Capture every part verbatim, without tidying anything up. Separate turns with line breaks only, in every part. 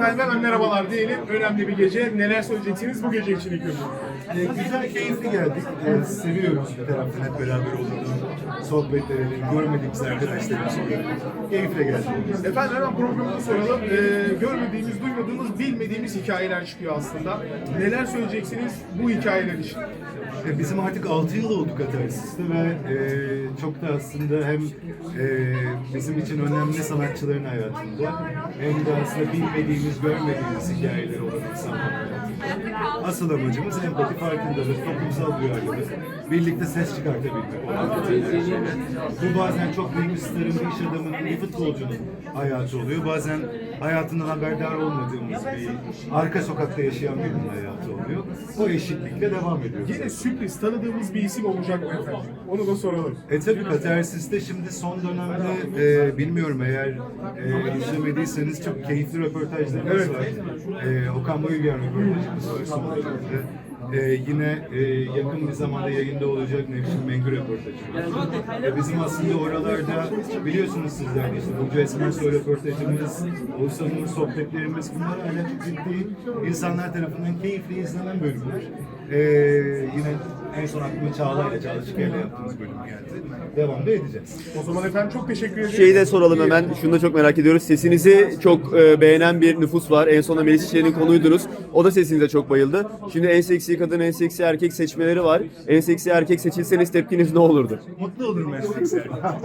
Efendim hemen merhabalar diyelim. Önemli bir gece. Neler söyleyeceksiniz bu gece için ilk önce?
Ee, güzel, keyifli geldik. Ee, seviyoruz bir taraftan hep beraber olduğunu, sohbetleri, görmediğimiz arkadaşlarımızla keyifle geldik.
Efendim hemen programımızı soralım. Ee, görmediğimiz, duymadığımız, bilmediğimiz hikayeler çıkıyor aslında. Neler söyleyeceksiniz bu hikayeler için?
Ee, bizim artık altı yıl oldu Katarsis'te ve e, çok da aslında hem e, bizim için önemli sanatçıların hayatında hem de aslında bilmediğimiz, görmediğimiz hikayeleri olan insanlar hayatında. Asıl amacımız empati, farkındalık, toplumsal duyarlılık, birlikte ses çıkartabilmek olan. Bu bazen çok büyük bir starın, bir iş adamının, bir futbolcunun hayatı oluyor. Bazen hayatından haberdar olmadığımız bir arka sokakta yaşayan birinin hayatı oluyor. O eşitlikle devam ediyoruz.
Yine sürpriz tanıdığımız bir isim olacak mı efendim? Onu da soralım.
E tabi Katarsis'te şimdi son dönemde e, bilmiyorum eğer e, izlemediyseniz çok keyifli röportajlarımız
Evet.
var. E, Okan Bayülgen röportajımız var son dönemde. E, yine e, yakın bir zamanda yayında olacak Nevşin Mengü röportajımız. E, bizim aslında oralarda biliyorsunuz sizler de işte Burcu Esmersoy röportajımız, Oğuzhan'ın sohbetlerimiz bunlar hala çok ciddi insanlar tarafından keyifli izlenen bölümler. E, yine en son aklıma Çağla'yla, Çağla Şiker'le yaptığımız bölüm geldi. Devam da edeceğiz.
O zaman efendim çok teşekkür ederiz.
Şeyi de soralım hemen. Şunu da çok merak ediyoruz. Sesinizi çok e, beğenen bir nüfus var. En sonunda Melis İşler'in konuydunuz. O da sesinize çok bayıldı. Şimdi en seksi kadın, en seksi erkek seçmeleri var. En seksi erkek seçilseniz tepkiniz ne olurdu?
Mutlu olurum meslek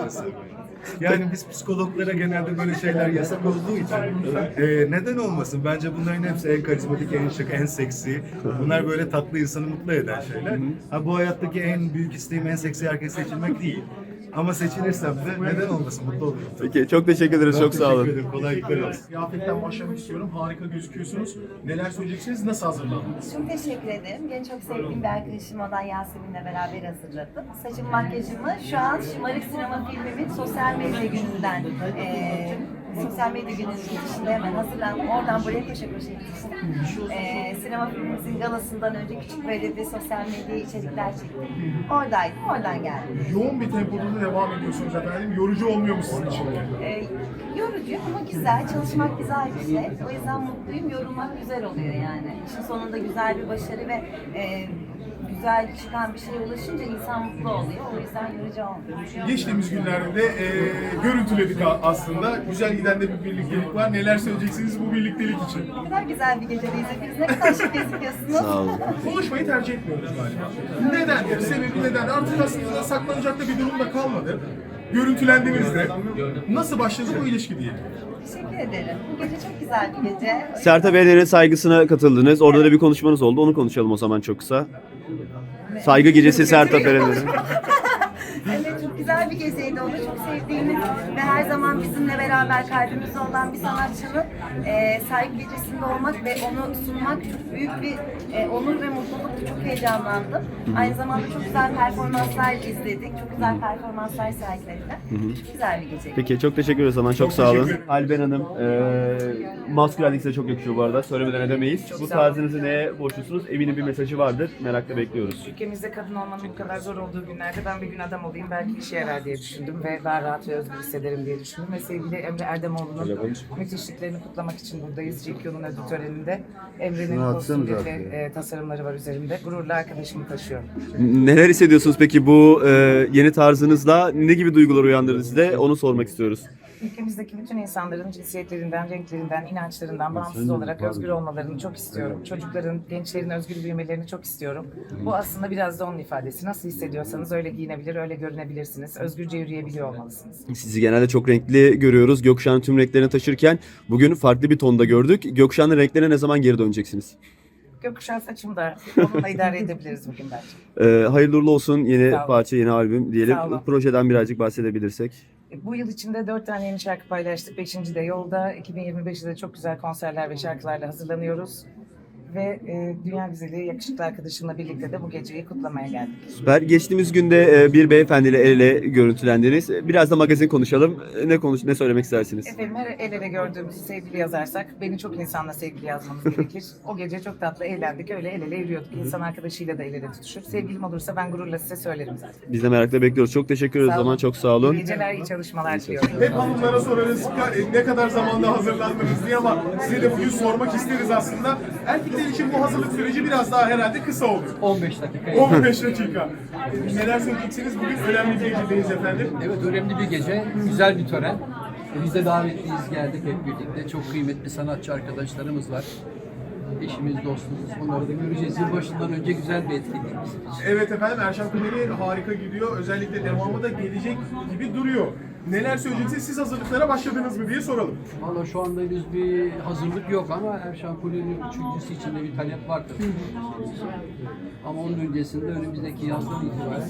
Yani biz psikologlara genelde böyle şeyler yasak olduğu için e, neden olmasın? Bence bunların hepsi en karizmatik, en şık, en seksi. Bunlar böyle tatlı insanı mutlu eden şeyler. Ha, bu hayattaki en büyük isteğim en seksi erkek seçilmek değil. Ama seçilirsem de neden olmasın? Mutlu olurum.
Peki çok teşekkür ederiz. Çok sağ olun.
Teşekkür ederim. Kolaylıklar olsun.
Kıyafetten başlamak istiyorum. Harika gözüküyorsunuz. Neler söyleyeceksiniz? Nasıl hazırlandınız?
Çok teşekkür ederim. Beni çok sevdiğim bir arkadaşım olan Yasemin'le beraber hazırladım. Saçım, makyajımı şu an Şımarık Sinema filmimin sosyal medya gününden eee sosyal medya gününün dışında hemen hazırlandım. Oradan buraya koşa koşa gittim. Eee sinema filmimizin galasından önce küçük böyle bir sosyal medya içerikler çektim. Oradaydım, oradan geldim.
Yoğun bir tempoda da devam ediyorsunuz efendim. Yorucu olmuyor mu sizin için?
Eee yorucu ama güzel. Çalışmak güzel bir şey. O yüzden mutluyum. Yorulmak güzel oluyor yani. İşin sonunda güzel bir başarı ve eee güzel çıkan bir şeye ulaşınca insan mutlu oluyor. O yüzden yorucu olmuyor.
Geçtiğimiz günlerde de e, görüntüledik a- aslında. Güzel giden de bir birliktelik var. Neler söyleyeceksiniz bu birliktelik için?
Ne kadar güzel bir gecedeyiz. Hepiniz ne kadar şık gözüküyorsunuz.
Sağ olun.
Konuşmayı tercih etmiyoruz galiba. Neden? Sebebi neden? Artık aslında saklanacak da bir durum da kalmadı. Görüntülendiğimizde nasıl başladı bu ilişki diye.
Teşekkür ederim. Bu gece çok güzel bir gece.
Sertab Erener'in saygısına katıldınız. Orada da bir konuşmanız oldu. Onu konuşalım o zaman çok kısa. Saygı gecesi Sertab Erener'in.
Evet, çok güzel bir geceydi. Onu çok sevdiğimiz ve her zaman bizimle beraber kalbimizde olan bir sanatçının e, saygı gecesinde olmak ve onu sunmak çok büyük bir e, onur ve mutluluktu. Çok heyecanlandım. Aynı zamanda çok güzel performanslar izledik. Çok güzel performanslar sergilediler. Çok güzel bir geceydi.
Peki çok teşekkür ederiz o zaman. Çok, sağ olun. Alben Hanım, e, maskülenlik size çok yakışıyor bu arada. Söylemeden edemeyiz. Bu tarzınızı neye borçlusunuz? Eminim bir mesajı vardır. Merakla bekliyoruz.
Ülkemizde kadın olmanın bu kadar zor olduğu günlerde ben bir gün adam olayım belki işe yarar diye düşündüm ve daha rahat ve özgür hissederim diye düşündüm ve sevgili Emre Erdemoğlu'nun müthişliklerini kutlamak için buradayız. G Q'nun ödül töreninde. Emre'nin kostümleri ve e, tasarımları var üzerimde. Gururla arkadaşımı taşıyorum.
Neler hissediyorsunuz peki bu e, yeni tarzınızla? Ne gibi duygular uyandırdı size? Onu sormak istiyoruz.
Ülkemizdeki bütün insanların cinsiyetlerinden, renklerinden, inançlarından bağımsız olarak özgür olmalarını çok istiyorum. Çocukların, gençlerin özgür büyümelerini çok istiyorum. Bu aslında biraz da onun ifadesi. Nasıl hissediyorsanız öyle giyinebilir, öyle görünebilirsiniz. Özgürce yürüyebiliyor olmalısınız.
Sizi genelde çok renkli görüyoruz. Gökkuşağının tüm renklerini taşırken bugün farklı bir tonda gördük. Gökkuşağının renklerine ne zaman geri döneceksiniz?
Gökkuşağı saçımda. Onunla idare edebiliriz bugün bence.
Ee, hayırlı uğurlu olsun yeni
Sağ olun.
parça, yeni albüm diyelim.
Sağ olun.
Projeden birazcık bahsedebilirsek.
Bu yıl içinde dört tane yeni şarkı paylaştık. Beşinci de yolda. iki bin yirmi beşte de çok güzel konserler ve şarkılarla hazırlanıyoruz. ve e, dünya güzeli yakışıklı arkadaşımla birlikte de bu geceyi kutlamaya geldik.
Süper. Geçtiğimiz günde e, bir beyefendiyle el ele görüntülendiniz. Biraz da magazin konuşalım. Ne konuş ne söylemek istersiniz?
Efendim her el ele gördüğümüzü sevgili yazarsak beni çok insanla sevgili yazmamız gerekir. O gece çok tatlı eğlendik, öyle el ele yürüyorduk. İnsan arkadaşıyla da el ele tutuşur. Sevgilim olursa ben gururla size söylerim zaten.
Biz de merakla bekliyoruz. Çok teşekkür ederiz o
Sağ olun.
zaman. Çok sağ olun.
İyi geceler, iyi çalışmalar diliyorum.
Hep hanımlara sorarız "Ka- ne kadar zamanda hazırlandınız diye ama size de bugün sormak isteriz aslında. Erkekler için bu hazırlık süreci biraz daha herhalde kısa oluyor.
on beş dakika.
on beş dakika. E, Neler söyleyeceksiniz? Bugün önemli bir gecedeyiz efendim.
Evet, önemli bir gece, güzel bir tören. Biz de davetliyiz, geldik hep birlikte. Çok kıymetli sanatçı arkadaşlarımız var. Eşimiz, dostumuz, onları da göreceğiz. Yılbaşından önce güzel bir etkinlik bizim için.
Evet efendim, Erşan Kuneri harika gidiyor. Özellikle devamı da gelecek gibi duruyor. Neler söyleyeceksiniz? Siz hazırlıklara başladınız mı diye soralım.
Valla şu anda henüz bir hazırlık yok ama Erşan Kuli'nin üçüncüsü için de bir talep var tabii. Ama onun öncesinde önümüzdeki yazdan itibaren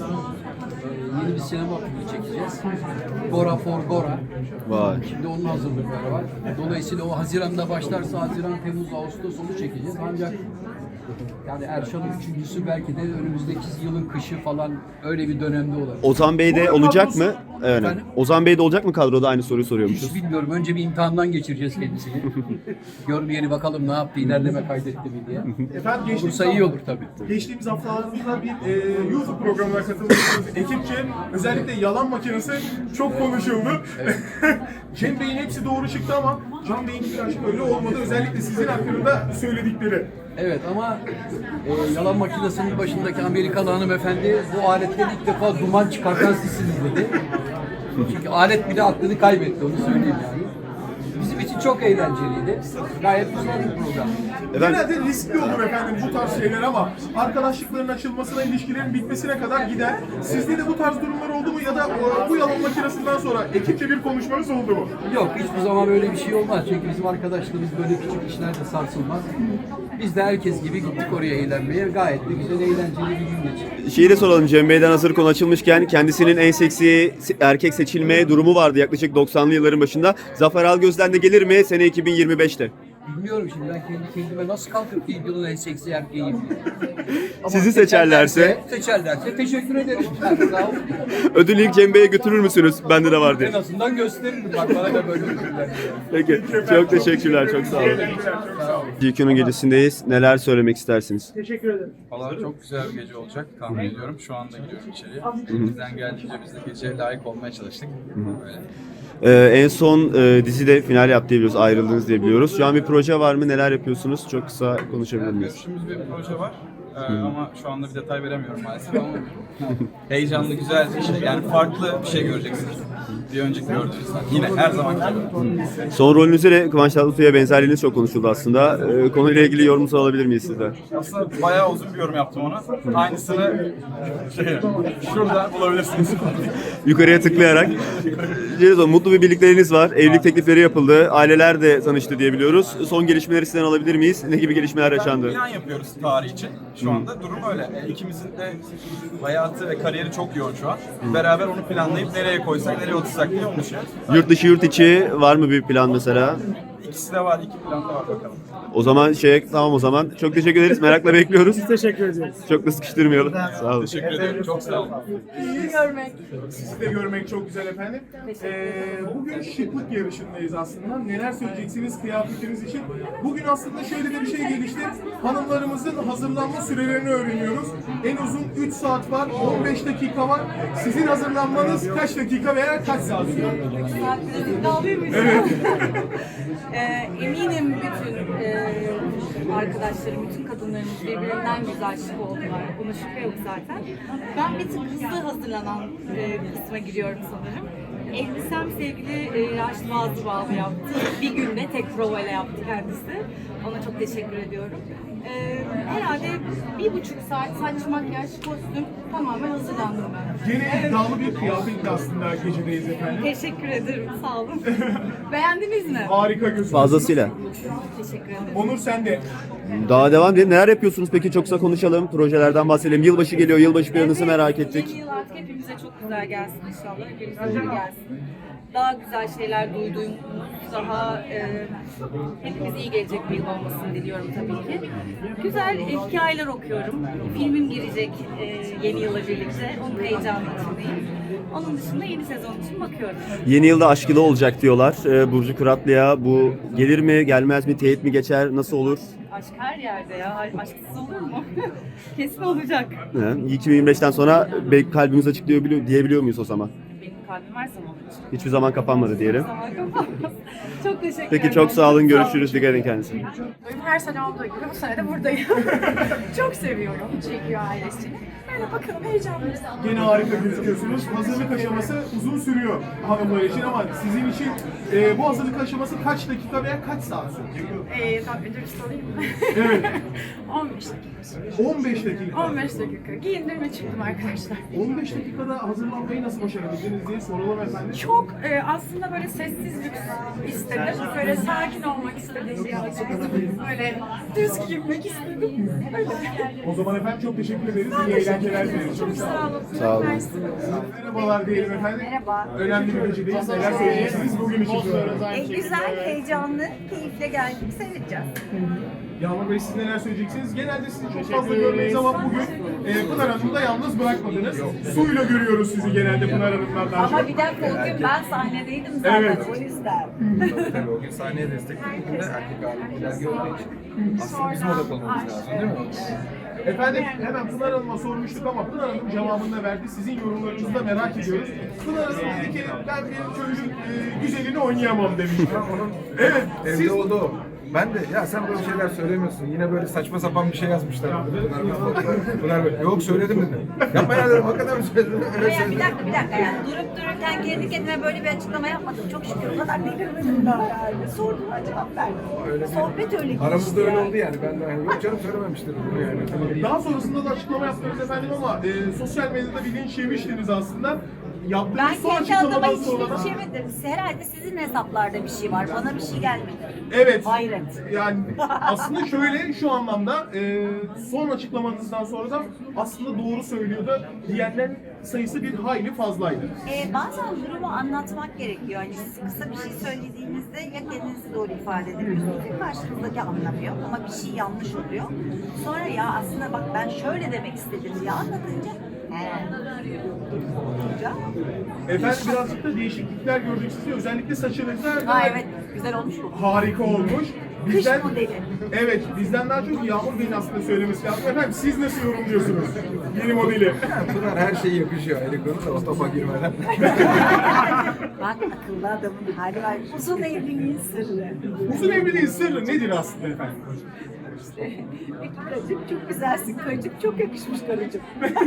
e, yeni bir sinema filmi çekeceğiz. Gora for Gora.
Vay.
Şimdi onun hazırlıkları var. Dolayısıyla o Haziran'da başlarsa Haziran, Temmuz, Ağustos onu çekeceğiz. Ancak yani Erşan'ın üçüncüsü belki de önümüzdeki yılın kışı falan öyle bir dönemde olabilir.
Ozan Bey de olacak mı? Evet.
Efendim?
Ozan Bey de olacak mı kadroda? Aynı soruyu soruyormuşuz.
Hiç bilmiyorum. Önce bir imtihandan geçireceğiz kendisini. Görmeyeni bakalım ne yaptı, ilerleme kaydetti mi diye.
Efendim geçtiğimiz,
Olursa iyi olur tabii.
geçtiğimiz haftalarda bir e, YouTube programına katılmışsınız ekipçe. Özellikle yalan makinesi çok konuşuldu. Cem Bey'in hepsi doğru çıktı ama Can Bey'in birazcık öyle olmadı. Özellikle sizin hakkında söyledikleri.
Evet ama e, yalan makinesinin başındaki Amerikalı hanımefendi bu aletten ilk defa duman çıkartan sizsiniz dedi. Çünkü alet bile aklını kaybetti, onu söyleyeyim yani. Bizim için çok eğlenceliydi. Gayet güzel bir program.
Genelde riskli olur efendim bu tarz şeyler ama arkadaşlıkların açılmasına, ilişkilerin bitmesine kadar gider. Sizde de bu tarz durumlar oldu mu ya da o, bu yalan makinesinden sonra ekipçe bir konuşmanız oldu mu?
Yok, hiçbir zaman böyle bir şey olmaz. Çünkü bizim arkadaşlarımız böyle küçük işlerde sarsılmaz. Biz de herkes gibi gittik oraya eğlenmeye. Gayet de güzel, eğlenceli bir gün geçirdik.
Şeyi de soralım, Cem Bey'den hazır konu açılmışken kendisinin en seksi erkek seçilme durumu vardı yaklaşık doksanlı yılların başında. Zafer Algöz'den de gelir mi sene iki bin yirmi beşte?
Bilmiyorum şimdi ben kendi kendime nasıl kalkıp ki yılın en seksi erkeğiyim. Ama
Sizi seçerlerse?
Seçerlerse teşekkür ederim. Yani sağ olun.
Ödülü ilk Cem Bey'e götürür müsünüz? Bende de var diye.
En azından gösteririm. Bak bana da böyle ödüller.
Peki. Çok teşekkürler. Çok sağ olun.
Çok sağ olun.
G Q'nun gecesindeyiz. Neler söylemek istersiniz?
Valla çok güzel bir gece olacak tahmin ediyorum. Şu anda gidiyorum içeriye. Bizden geldiğince biz de geceye layık olmaya çalıştık. Böyle.
Ee, en son e, dizide final yaptı diye biliyoruz. Ayrıldınız diye biliyoruz. Şu an bir proje var mı? Neler yapıyorsunuz? Çok kısa konuşabilir
Yani
miyiz?
görüştüğümüz bir proje var. Ee, ama şu anda bir detay veremiyorum maalesef ama heyecanlı, güzel bir şey. Yani farklı bir şey göreceksiniz. Bir önceki gördüğünüzden. Yine her zaman gibi.
Son rolünüzde de Kıvanç Tatlıtuğ'a benzerliğiniz çok konuşuldu aslında. Ee, konuyla ilgili yorumunuzu alabilir miyiz sizden?
Aslında bayağı uzun bir yorum yaptım ona. Aynısını şey, şurada bulabilirsiniz.
Yukarıya tıklayarak. Cerizo, mutlu bir birlikteliğiniz var. Evlilik teklifleri yapıldı. Aileler de tanıştı diye biliyoruz. Son gelişmeleri sizden alabilir miyiz? Ne gibi gelişmeler yaşandı?
Plan yapıyoruz tarih için. Şu anda durum öyle. E, İkimizin de hayatı ve kariyeri çok yoğun şu an. Beraber onu planlayıp nereye koysak, nereye otursak diye onu düşünüyoruz.
Yurt dışı yurt içi var mı bir plan mesela?
İkisi de var, iki plan da var bakalım.
O zaman şey tamam o zaman. Çok teşekkür ederiz. Merakla bekliyoruz.
Teşekkür ederiz.
Çok da sıkıştırmayalım. Sağ olun.
Teşekkür ederim, çok sağ olun.
Sizi görmek.
Sizi de görmek çok güzel efendim. Ee, bugün şıklık yarışındayız aslında. Neler söyleyeceksiniz kıyafetiniz için? Bugün aslında şöyle de bir şey gelişti. Hanımlarımızın hazırlanma sürelerini öğreniyoruz. En uzun üç saat var, on beş dakika var. Sizin hazırlanmanız kaç dakika veya kaç saat sürüyor?
Evet. e, eminim bütün e, arkadaşlarım, bütün kadınlarımız birbirinden güzel şık oldular. Buna şüphe yok zaten. Ben bir tık hızlı hazırlanan e, kısma giriyorum sanırım. Elbisem sevgili e, Raşit Bazlı Bağlı yaptı. Bir günde tek provayla yaptı kendisi. Ona çok teşekkür ediyorum. E, herhalde bir buçuk saat saç, makyaj, kostüm tamamen hazırlandım ben.
Yine iddialı bir kıyafetle aslında gecedeyiz efendim.
Teşekkür ederim, sağ olun. Beğendiniz mi?
Harika gözüküyorsunuz.
Fazlasıyla.
Teşekkür ederim.
Onur sen de.
Daha devam edelim. Neler yapıyorsunuz peki? Çok kısa konuşalım. Projelerden bahsedelim. Yılbaşı geliyor. Yılbaşı planınızı merak ettik.
Yeni yıl artık hepimize çok güzel gelsin inşallah. Hepimize iyi gelsin. daha güzel şeyler duyduğumuz, daha e, hepimiz iyi gelecek bir yıl olmasını diliyorum tabii ki. Güzel e, hikayeler okuyorum. Filmim girecek e, yeni yıla birlikte. Onun heyecanı içindeyim. Onun dışında yeni sezon için bakıyorum.
Yeni yılda Aşk Yılı olacak diyorlar. Ee, Burcu Kuratlı'ya bu gelir mi, gelmez mi, teyit mi geçer, nasıl olur?
Aşk her yerde ya. Aşksız olur mu? Kesin olacak.
He, iki bin yirmi beşten sonra belki kalbimiz açık diyor, diyebiliyor muyuz o zaman?
Benim kalbim her zaman açık.
Hiçbir zaman kapanmadı diyelim.
Zaman kapanmaz. Çok teşekkür
Peki
ederim.
çok sağ olun, görüşürüz. Dikkat edin kendinize.
Her sene olduğu gibi bu sene de buradayım. Çok seviyorum çekiyor ailesini. Böyle bakalım heyecanlıyız.
Gene harika gözüküyorsunuz. Hazırlık aşaması uzun sürüyor hanımlar için ama sizin için e, bu hazırlık aşaması kaç dakika veya kaç saat sürüyor?
Ee, tabii önce bir sorayım mı?
Evet.
on beş dakika.
on beş dakika.
on beş dakika. Giyindim ve çıktım arkadaşlar.
on beş dakikada hazırlanmayı nasıl başarabildiniz diye soralım efendim.
Çok e, aslında böyle sessiz lüks istedim. Böyle sakin olmak istedim birazcık. Böyle düz giyinmek istedim. Öyle.
O zaman efendim çok teşekkür ederiz. İyi eğlenceler dileriz.
Çok sağ olun.
Sağ olun.
Mersi.
Merhabalar diyelim efendim.
Merhaba.
Önemli bir gecedeyiz. Neler söyleyeceksiniz bugün için soruyorum.
En güzel, heyecanlı, keyifle geldik. Seyredeceğiz.
Yağmur Bey siz neler söyleyeceksiniz? Genelde sizi çok fazla görmeyiz ama bugün e, Pınar Hanım'ı da yalnız bırakmadınız. Suyla görüyoruz sizi genelde Pınar Hanım'dan daha çok.
Ama bir dakika o gün ben sahnedeydim zaten
Evet.
o yüzden.
Tabii o gün sahneye destekledik. Bugün de erkek ağırlıklar gördüğü için. Aslında bizim odak olmamız lazım değil mi?
Efendim hemen Pınar Hanım'a sormuştuk ama Pınar Hanım cevabını da verdi. Sizin yorumlarınızı da merak ediyoruz. Pınar Hanım dedi ki ben benim köyün e, güzelini oynayamam demişti. Evet
Evde
siz
oldu o. Ben de ya sen böyle şeyler söylemiyorsun. Yine böyle saçma sapan bir şey yazmışlar. Bunlar, bunlar böyle. Yok söyledim dedim. Yapma ya dedim. Hakikaten mi söyledim? Evet
Ya bir
söyledim.
dakika bir dakika yani durup dururken kendi kendime böyle bir açıklama yapmadım. Çok şükür o kadar delirmedim daha yani. Sorduğuma cevap verdim.
Öyle değil.
Sohbet öyle geçti.
Aramızda öyle
yani.
oldu yani. Ben de hani, yok canım söylememiştir bunu yani.
daha sonrasında da açıklama yaptınız efendim ama e, sosyal medyada bir linç yemiştiniz aslında. Yaptığınız
Ben
son
kendi adıma
açıklamadan
hiç
sonra da...
linç yemedim. Herhalde sizin hesaplarda bir şey var. Bana bir şey gelmedi.
Evet.
Hayret.
Yani aslında şöyle şu anlamda e, son açıklamanızdan sonra da aslında doğru söylüyordu diyenlerin sayısı bir hayli fazlaydı.
Ee, bazen durumu anlatmak gerekiyor. Hani siz kısa bir şey söylediğinizde ya kendinizi doğru ifade edemiyorsunuz ya karşınızdaki anlamıyor ama bir şey yanlış oluyor. Sonra ya aslında bak ben şöyle demek istedim ya anlatınca he. Olunca,
Efendim birazcık da değişiklikler gördük sizi. Özellikle saçınızda
ha evet güzel olmuş bu.
harika olmuş.
Kış modeli.
Evet, bizden daha çok Yağmur Bey'in aslında söylemesi lazım. Efendim siz nasıl yorumluyorsunuz yeni modeli?
Bunlar her şeye yakışıyor. Ayrı konu da o topa girmeden.
Bak akıllı adamın hali var. Uzun evliliğin sırrı.
Uzun evliliğin sırrı nedir aslında efendim?
Peki karıcığım çok güzelsin. Karıcığım çok yakışmış karıcığım.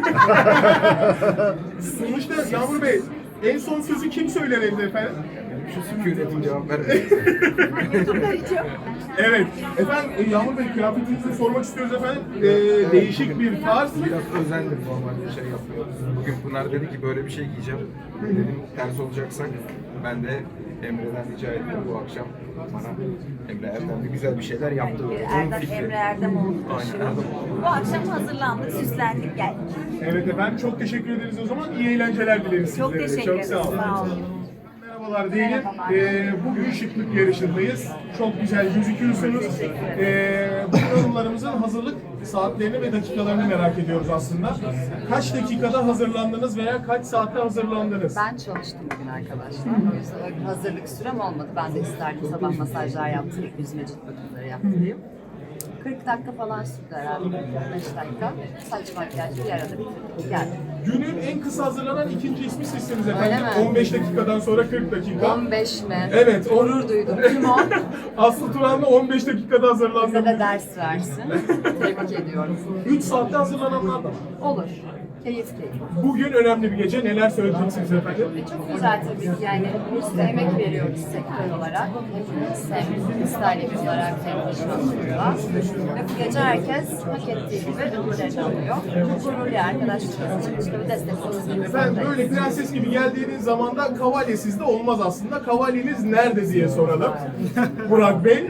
Sonuçta Yağmur Bey en son sözü kim söyler evde efendim?
Şu sükunetin cevap ver.
Karıcığım.
Evet. Efendim e, Yağmur Bey kıyafetinizi sormak istiyoruz efendim. E, değişik bir tarz.
Biraz özendim normalde şey yapmıyoruz. Bugün Pınar dedi ki böyle bir şey giyeceğim. Dedim ters olacaksak ben de Emre'den rica ettim bu akşam bana Emre Erdem'de güzel bir şeyler yaptı.
Bir
Onun
Erdem,
fikri.
Emre Erdemoğlu
Aynen
taşıyor.
Erdem.
Bu akşam hazırlandık, süslendik, geldik.
Evet efendim çok teşekkür ederiz o zaman. İyi eğlenceler dileriz
Çok
sizlere.
teşekkür ederim.
Çok sağ olun.
Sağ olun.
Merhabalar diyelim. Ee, bugün şıklık yarışındayız. Çok güzel gözüküyorsunuz. Ee, bu yorumlarımızın hazırlık saatlerini ve dakikalarını merak ediyoruz aslında. Kaç dakikada hazırlandınız veya kaç saatte hazırlandınız?
Ben çalıştım bugün arkadaşlar. O yüzden öyle bir hazırlık sürem olmadı. Ben de isterdim sabah masajlar yaptırayım, yüzme cilt bakımları yaptırayım. kırk dakika falan sürdü herhalde. beş dakika. Saç makyaj bir arada bitirdik. Geldim.
Günün en kısa hazırlanan ikinci ismi sizsiniz
Öyle
efendim.
mi?
on beş dakikadan sonra kırk dakika.
on beş mi?
Evet. on-
Gurur duydum. Kim o?
Aslı Turan'la on beş dakikada
Bize
hazırlandı.
de ders versin. Tebrik ediyorum.
üç saatte hazırlananlar da var.
Olur. Keyif keyif.
Bugün önemli bir gece. Neler söyleyeceksiniz efendim?
Çok güzel tabii ki yani biz de emek veriyoruz sektör olarak. Hepimiz hem styling olarak hem iş anlamında. Ve bu gece herkes hak ettiği gibi ödüllerini alıyor. Gururlu arkadaşlarımız için işte bir destek olsun.
Efendim böyle prenses gibi geldiğiniz zaman da kavalye sizde olmaz aslında. Kavalyeniz nerede diye soralım. Burak Bey.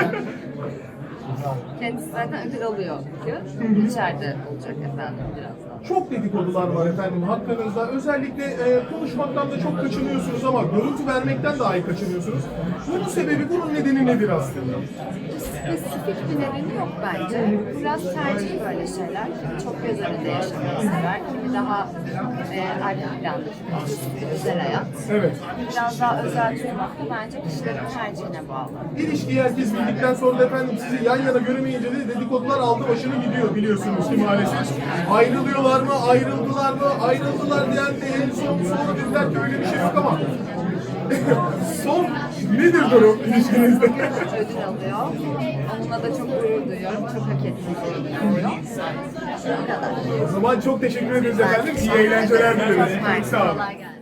Kendisi zaten ödül alıyor bugün. İçeride olacak efendim birazdan.
Çok dedikodular var efendim hakkınızda. Özellikle e, konuşmaktan da çok kaçınıyorsunuz ama görüntü vermekten dahi kaçınıyorsunuz. Bunun sebebi, bunun nedeni nedir aslında?
Spesifik bir nedeni yok bence. Biraz tercih böyle şeyler. Kimi çok göz önünde yaşamayı sever, kimi daha e, arka planda tutmak, özel hayat.
Evet.
Biraz daha özel tutmak da bence kişilerin tercihine bağlı.
İlişkiyi herkes bildikten sonra da efendim sizi yan yana göremeyince de dedikodular aldı başını gidiyor biliyorsunuz ki maalesef. Ayrılıyorlar mı, ayrıldılar mı, ayrıldılar diyen de en son sonra dediler ki öyle bir şey yok ama son nedir durum ilişkinizde?
Ödül alıyor. Onunla da çok gurur duyuyorum. Çok hak ettiğini düşünüyorum. Bu kadar.
O zaman çok teşekkür ederiz efendim. İyi eğlenceler dileriz. Çok sağ olun.
Kolay gelsin.